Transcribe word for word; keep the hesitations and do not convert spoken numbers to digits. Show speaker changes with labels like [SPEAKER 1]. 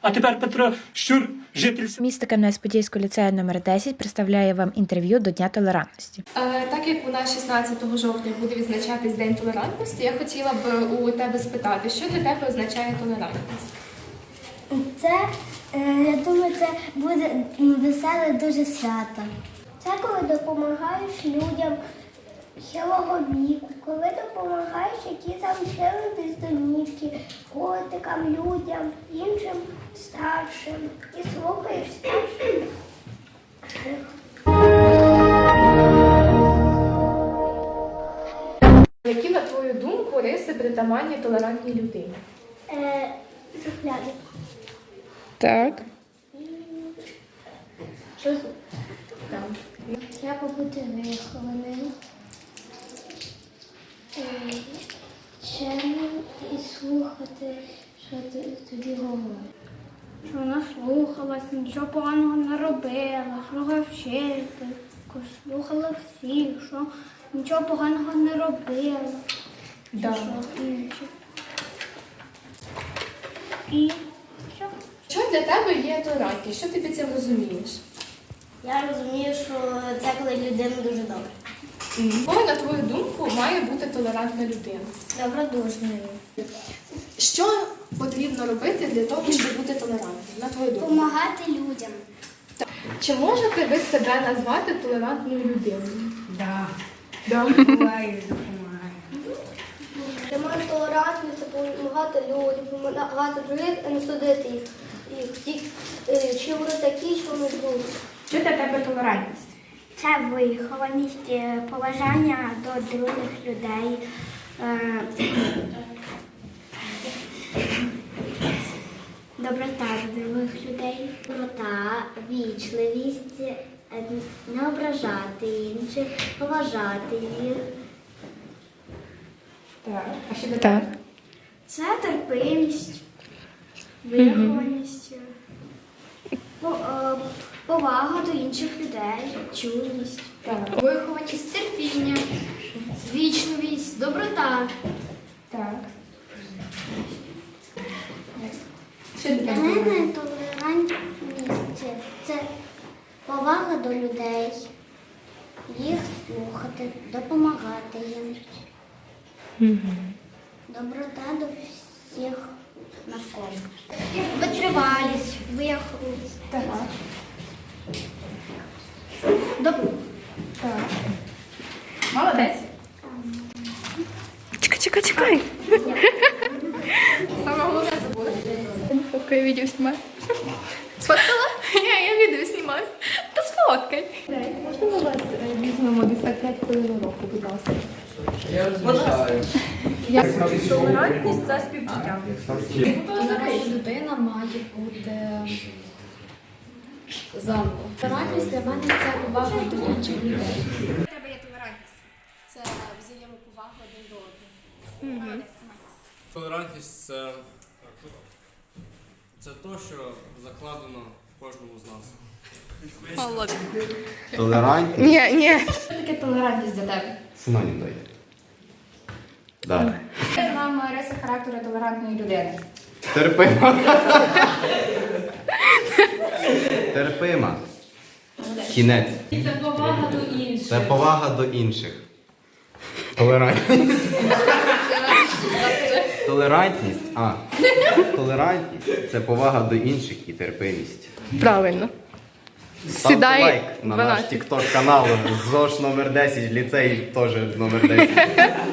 [SPEAKER 1] А тепер Петро Щур, житель
[SPEAKER 2] Місто Кам'янець-Подільського ліцею номер десять представляє вам інтерв'ю до Дня толерантності.
[SPEAKER 3] Е, Так як у нас шістнадцятого жовтня буде відзначатись День толерантності, я хотіла б у тебе спитати, що для тебе означає толерантність?
[SPEAKER 4] Це, е, я думаю, це буде веселе дуже свято. Це коли допомагаєш людям хилого віку, коли допомагаєш, які залишили без домівки, котикам, людям, іншим старшим. І слухаєш старших.
[SPEAKER 3] Які, на твою думку, риси притаманні толерантній людині?
[SPEAKER 4] Е, Зухляди.
[SPEAKER 2] Так.
[SPEAKER 4] Що там? Треба бути вихованим, е, чемним і слухати, що ти- тобі говорять.
[SPEAKER 5] Що вона слухалась, нічого поганого не робила, слухала вчительку, слухала всіх, що нічого поганого не робила.
[SPEAKER 3] Да.
[SPEAKER 5] Що інше. І що?
[SPEAKER 3] Що для тебе є толерантність? Що ти під цим розумієш?
[SPEAKER 4] Я розумію, що це коли людина дуже добра.
[SPEAKER 3] Якою, на твою думку, має бути толерантна людина?
[SPEAKER 4] Добродушною.
[SPEAKER 3] Що потрібно робити для того, щоб бути толерантним, на твою думку?
[SPEAKER 4] Помагати людям.
[SPEAKER 3] Чи можете ви себе назвати толерантною людиною?
[SPEAKER 6] Да.
[SPEAKER 3] Да.
[SPEAKER 6] Буває, допомагає.
[SPEAKER 4] Ти можеш толерантність, допомагати людям, допомагати других, а не судити їх. їх. Ті, е, Чи вони такі, що вони другі.
[SPEAKER 5] Що для тебе толерантність?
[SPEAKER 4] Це вихованість, е, поважання до других людей. е, Доброта до других людей. Доброта, вічливість, е, не ображати інших, поважати їх.
[SPEAKER 3] Так. А що для
[SPEAKER 2] Так.
[SPEAKER 3] тебе?
[SPEAKER 4] Це терпимість, вихованість, по- е, повага до інших людей, чуйність.
[SPEAKER 3] Так.
[SPEAKER 4] Вихованість, терпіння, вічливість, доброта.
[SPEAKER 3] Так. Що для
[SPEAKER 4] Для
[SPEAKER 3] тебе?
[SPEAKER 4] мене толерантність – це повага до людей, їх слухати, допомагати їм. Доброта до всіх навколо. Витривалість, вихованість.
[SPEAKER 3] Так.
[SPEAKER 4] Добро.
[SPEAKER 3] Так. Молодець.
[SPEAKER 2] Чекай, чекай, чекай.
[SPEAKER 3] Саме головне забула.
[SPEAKER 2] Поки я відео знімаю.
[SPEAKER 3] Сфоткала? Ні, я відео знімаю. Та сфоткай. Можна ми вас е, візьмемо десь так п'ять хвилин уроку, будь ласка? Толерантність – це співчуття.
[SPEAKER 7] Толерантна людина має бути заново. Толерантність для мене це повага до інших людей.
[SPEAKER 3] У тебе є толерантність. Це взаємоповага один до одного.
[SPEAKER 8] Толерантність це, це те, що закладено в кожному з нас.
[SPEAKER 9] Толерантність.
[SPEAKER 2] Ні, ні.
[SPEAKER 7] Що таке толерантність для тебе?
[SPEAKER 9] Синонім дайте. Да.
[SPEAKER 5] Нам риси характеру толерантної людини.
[SPEAKER 9] Терпима. Терпима. Кінець.
[SPEAKER 7] Це повага до інших.
[SPEAKER 9] Це повага до інших. Толерантність. Толерантність. А. Толерантність це повага до інших і терпимість.
[SPEAKER 2] Правильно.
[SPEAKER 9] Ставте
[SPEAKER 2] Сідай
[SPEAKER 9] лайк на наш
[SPEAKER 2] дванадцять.
[SPEAKER 9] тікток канал ЗОШ номер десять, ліцей теж номер десять.